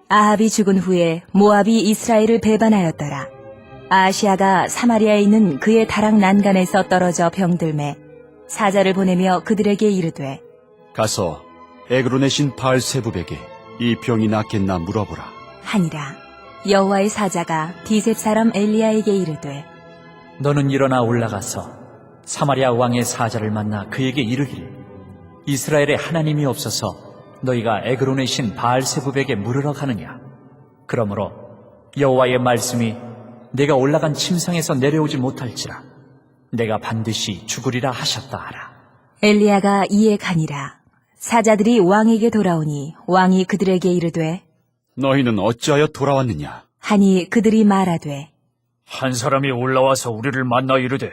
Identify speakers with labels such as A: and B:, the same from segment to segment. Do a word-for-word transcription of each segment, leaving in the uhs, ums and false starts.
A: 아합이 죽은 후에 모압이 이스라엘을 배반하였더라. 아하시아가 사마리아에 있는 그의 다락 난간에서 떨어져 병들매 사자를 보내며 그들에게 이르되
B: 가서 에그론의 신 바알세부백에 이 병이 낫겠나 물어보라.
A: 하니라. 여호와의 사자가 디셉 사람 엘리야에게 이르되
C: 너는 일어나 올라가서 사마리아 왕의 사자를 만나 그에게 이르기를 이스라엘의 하나님이 없어서 너희가 에그론의 신 바알세부백에 물으러 가느냐. 그러므로 여호와의 말씀이 내가 올라간 침상에서 내려오지 못할지라 내가 반드시 죽으리라 하셨다 하라.
A: 엘리야가 이에 가니라. 사자들이 왕에게 돌아오니 왕이 그들에게 이르되
B: 너희는 어찌하여 돌아왔느냐?
A: 하니 그들이 말하되
D: 한 사람이 올라와서 우리를 만나 이르되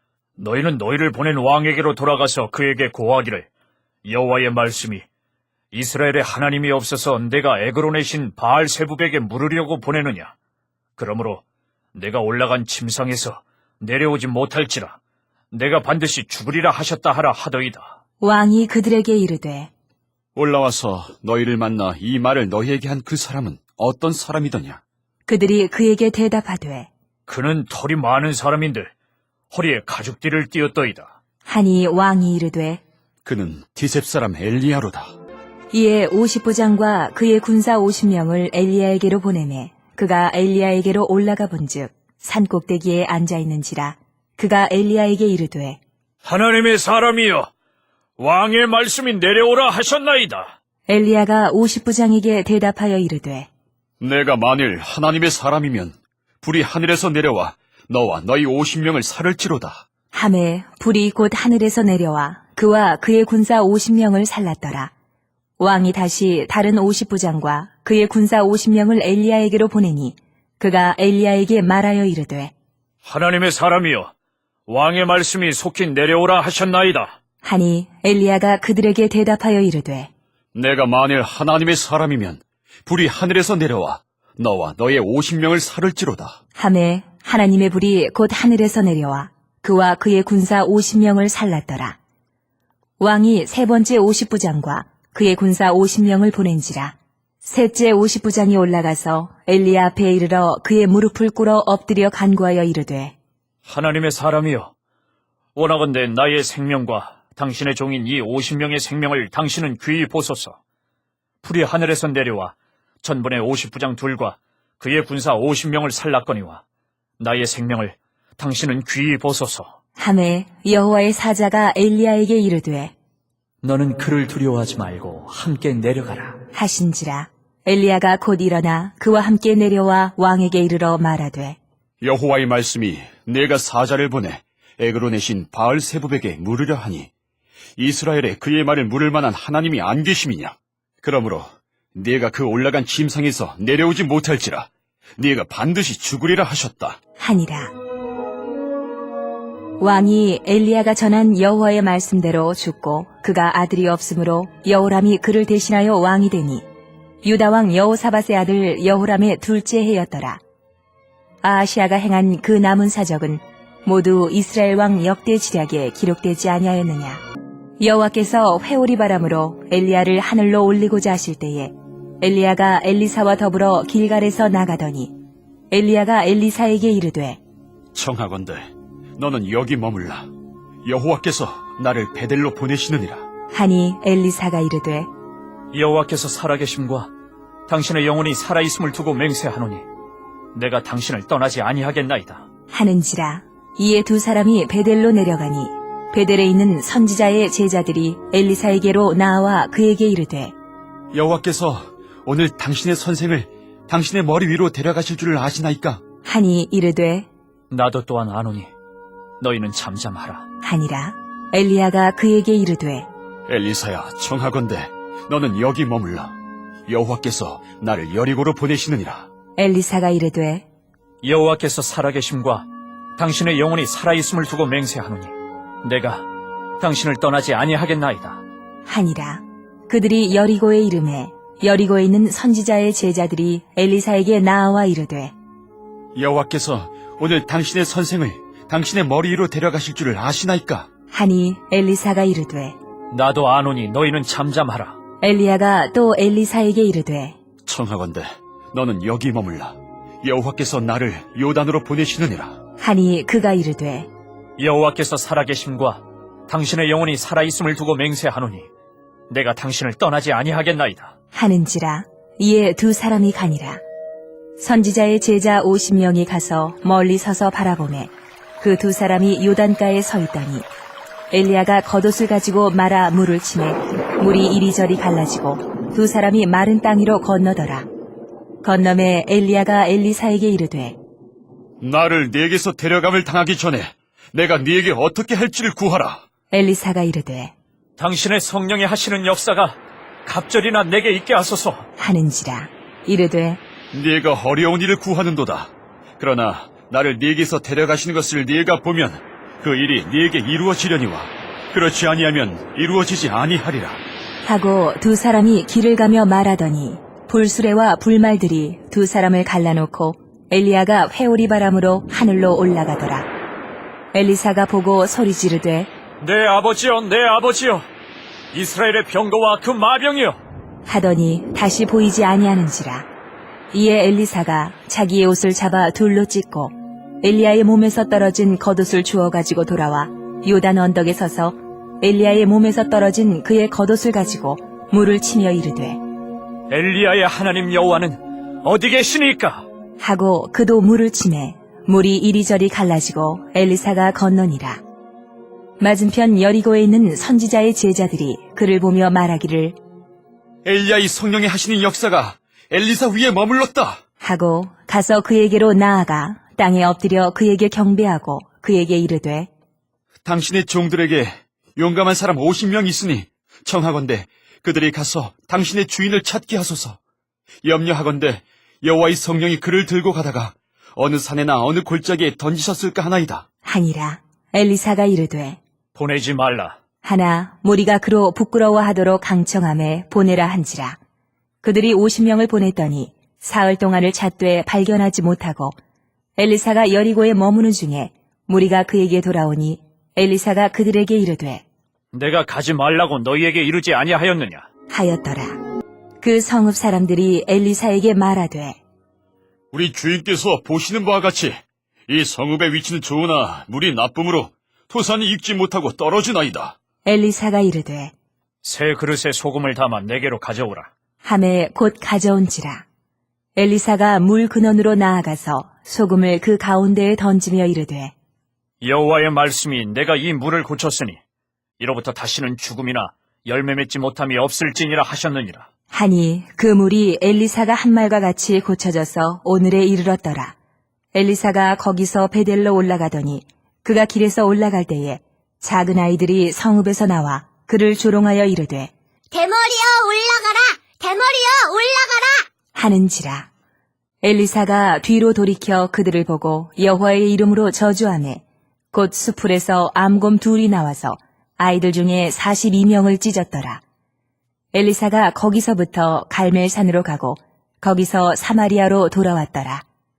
D: 너희는 너희를 보낸 왕에게로 돌아가서 그에게 고하기를 여호와의 말씀이 이스라엘의 하나님이 없어서 내가 에그론의 신 바알세부백에 물으려고 보내느냐. 그러므로 내가 올라간 침상에서 내려오지 못할지라 내가 반드시 죽으리라 하셨다 하라 하더이다.
A: 왕이 그들에게 이르되
B: 올라와서 너희를 만나 이 말을 너희에게 한 그 사람은 어떤 사람이더냐?
A: 그들이 그에게 대답하되
D: 그는 털이 많은 사람인데 허리에 가죽띠를 띠었더이다.
A: 하니 왕이 이르되
B: 그는 디셉 사람 엘리야로다.
A: 이에 오십 부장과 그의 군사 오십 명을 엘리야에게로 보내매 그가 엘리야에게로 올라가 본즉 산꼭대기에 앉아 있는지라. 그가 엘리야에게 이르되
D: 하나님의 사람이여 왕의 말씀이 내려오라 하셨나이다.
A: 엘리야가 오십 부장에게 대답하여 이르되
B: 내가 만일 하나님의 사람이면 불이 하늘에서 내려와 너와 너희 오십 명을 살을지로다.
A: 하매 불이 곧 하늘에서 내려와 그와 그의 군사 오십 명을 살랐더라. 왕이 다시 다른 오십 부장과 그의 군사 오십 명을 엘리야에게로 보내니 그가 엘리야에게 말하여 이르되
D: 하나님의 사람이여 왕의 말씀이 속히 내려오라 하셨나이다.
A: 하니 엘리야가 그들에게 대답하여 이르되
B: 내가 만일 하나님의 사람이면 불이 하늘에서 내려와 너와 너의 오십 명을 살을지로다.
A: 하매 하나님의 불이 곧 하늘에서 내려와 그와 그의 군사 오십 명을 살랐더라. 왕이 세 번째 오십 부장과 그의 군사 오십 명을 보낸지라. 셋째 오십 부장이 올라가서 엘리야 앞에 이르러 그의 무릎을 꿇어 엎드려 간구하여 이르되
D: 하나님의 사람이여 원하건대 나의 생명과 당신의 종인 이 오십 명의 생명을 당신은 귀히 보소서. 불이 하늘에서 내려와 전번에 오십 부장 둘과 그의 군사 오십 명을 살랐거니와 나의 생명을 당신은 귀히 보소서.
A: 하매 여호와의 사자가 엘리야에게 이르되
C: 너는 그를 두려워하지 말고 함께 내려가라.
A: 하신지라. 엘리야가 곧 일어나 그와 함께 내려와 왕에게 이르러 말하되
B: 여호와의 말씀이 내가 사자를 보내 에그론의 신 바알세부백에 물으려 하니 이스라엘에 그의 말을 물을 만한 하나님이 안 계심이냐? 그러므로 네가 그 올라간 침상에서 내려오지 못할지라 네가 반드시 죽으리라 하셨다.
A: 하니라. 왕이 엘리야가 전한 여호와의 말씀대로 죽고 그가 아들이 없으므로 여호람이 그를 대신하여 왕이 되니 유다 왕 여호사밧의 아들 여호람의 둘째 해였더라. 아하시아가 행한 그 남은 사적은 모두 이스라엘 왕 역대 지략에 기록되지 아니하였느냐. 여호와께서 회오리 바람으로 엘리야를 하늘로 올리고자 하실 때에 엘리야가 엘리사와 더불어 길갈에서 나가더니 엘리야가 엘리사에게 이르되
B: 청하건대 너는 여기 머물라. 여호와께서 나를 베델로 보내시느니라.
A: 하니 엘리사가 이르되
D: 여호와께서 살아계심과 당신의 영혼이 살아있음을 두고 맹세하노니 내가 당신을 떠나지 아니하겠나이다.
A: 하는지라. 이에 두 사람이 베델로 내려가니 베델에 있는 선지자의 제자들이 엘리사에게로 나와 그에게 이르되
B: 여호와께서 오늘 당신의 선생을 당신의 머리 위로 데려가실 줄을 아시나이까?
A: 하니 이르되
D: 나도 또한 아노니 너희는 잠잠하라.
A: 하니라. 엘리야가 그에게 이르되
B: 엘리사야, 청하건대 너는 여기 머물라. 여호와께서 나를 여리고로 보내시느니라.
A: 엘리사가 이르되
D: 여호와께서 살아계심과 당신의 영혼이 살아있음을 두고 맹세하노니 내가 당신을 떠나지 아니하겠나이다.
A: 하니라. 그들이 여리고에 이르매 여리고에 있는 선지자의 제자들이 엘리사에게 나와 이르되
B: 여호와께서 오늘 당신의 선생을 당신의 머리 위로 데려가실 줄을 아시나이까?
A: 하니 엘리사가 이르되
D: 나도 아노니 너희는 잠잠하라.
A: 엘리야가 또 엘리사에게 이르되
B: 청하건대 너는 여기 머물라. 여호와께서 나를 요단으로 보내시느니라.
A: 하니 그가 이르되
D: 여호와께서 살아계심과 당신의 영혼이 살아있음을 두고 맹세하노니 내가 당신을 떠나지 아니하겠나이다.
A: 하는지라. 이에 두 사람이 가니라. 선지자의 제자 오십 명이 가서 멀리 서서 바라보매 그 두 사람이 요단가에 서 있더니 엘리야가 겉옷을 가지고 말아 물을 치매 물이 이리저리 갈라지고 두 사람이 마른 땅 위로 건너더라. 건너매 엘리야가 엘리사에게 이르되
B: 나를 네게서 데려감을 당하기 전에 내가 네게 어떻게 할지를 구하라.
A: 엘리사가 이르되
D: 당신의 성령이 하시는 역사가 갑절이나 내게 있게 하소서.
A: 하는지라. 이르되
B: 네가 어려운 일을 구하는도다. 그러나 나를 네게서 데려가시는 것을 네가 보면 그 일이 네게 이루어지려니와 그렇지 아니하면 이루어지지 아니하리라.
A: 하고 두 사람이 길을 가며 말하더니 불수레와 불말들이 두 사람을 갈라놓고 엘리야가 회오리 바람으로 하늘로 올라가더라. 엘리사가 보고 소리 지르되
D: 내 아버지여, 내 아버지여, 이스라엘의 병거와 그 마병이여.
A: 하더니 다시 보이지 아니하는지라. 이에 엘리사가 자기의 옷을 잡아 둘로 찢고 엘리야의 몸에서 떨어진 겉옷을 주워 가지고 돌아와 요단 언덕에 서서 엘리야의 몸에서 떨어진 그의 겉옷을 가지고 물을 치며 이르되
D: 엘리야의 하나님 여호와는 어디 계시니까?
A: 하고 그도 물을 치매 물이 이리저리 갈라지고 엘리사가 건너니라. 맞은편 여리고에 있는 선지자의 제자들이 그를 보며 말하기를
B: 엘리야의 성령이 하시는 역사가 엘리사 위에 머물렀다.
A: 하고 가서 그에게로 나아가 땅에 엎드려 그에게 경배하고 그에게 이르되
B: 당신의 종들에게 용감한 사람 오십 명 있으니 청하건대 그들이 가서 당신의 주인을 찾게 하소서. 염려하건대 여호와의 성령이 그를 들고 가다가 어느 산에나 어느 골짜기에 던지셨을까 하나이다.
A: 하니라. 엘리사가 이르되
D: 보내지 말라.
A: 하나 무리가 그로 부끄러워하도록 강청함에 보내라 한지라. 그들이 오십 명을 보냈더니 사흘 동안을 찾되 발견하지 못하고 엘리사가 여리고에 머무는 중에 무리가 그에게 돌아오니 엘리사가 그들에게 이르되
D: 내가 가지 말라고 너희에게 이르지 아니하였느냐?
A: 하였더라. 그 성읍 사람들이 엘리사에게 말하되
B: 우리 주인께서 보시는 바와 같이 이 성읍의 위치는 좋으나 물이 나쁨으로 토산이 익지 못하고 떨어지나이다.
A: 엘리사가 이르되
D: 새 그릇에 소금을 담아 내게로 가져오라.
A: 함에 곧 가져온지라. 엘리사가 물 근원으로 나아가서 소금을 그 가운데에 던지며 이르되
D: 여호와의 말씀이 내가 이 물을 고쳤으니 이로부터 다시는 죽음이나 열매 맺지 못함이 없을지니라 하셨느니라.
A: 하니 그 물이 엘리사가 한 말과 같이 고쳐져서 오늘에 이르렀더라. 엘리사가 거기서 베델로 올라가더니 그가 길에서 올라갈 때에 작은 아이들이 성읍에서 나와 그를 조롱하여 이르되
E: 대머리여 올라가라! 대머리여 올라가라!
A: 하는지라. 엘리사가 뒤로 돌이켜 그들을 보고 여호와의 이름으로 저주하매 곧 수풀에서 암곰 둘이 나와서 아이들 중에 사십이 명을 찢었더라. 엘리사가 거기서부터 갈멜산으로 가고 거기서 사마리아로 돌아왔더라.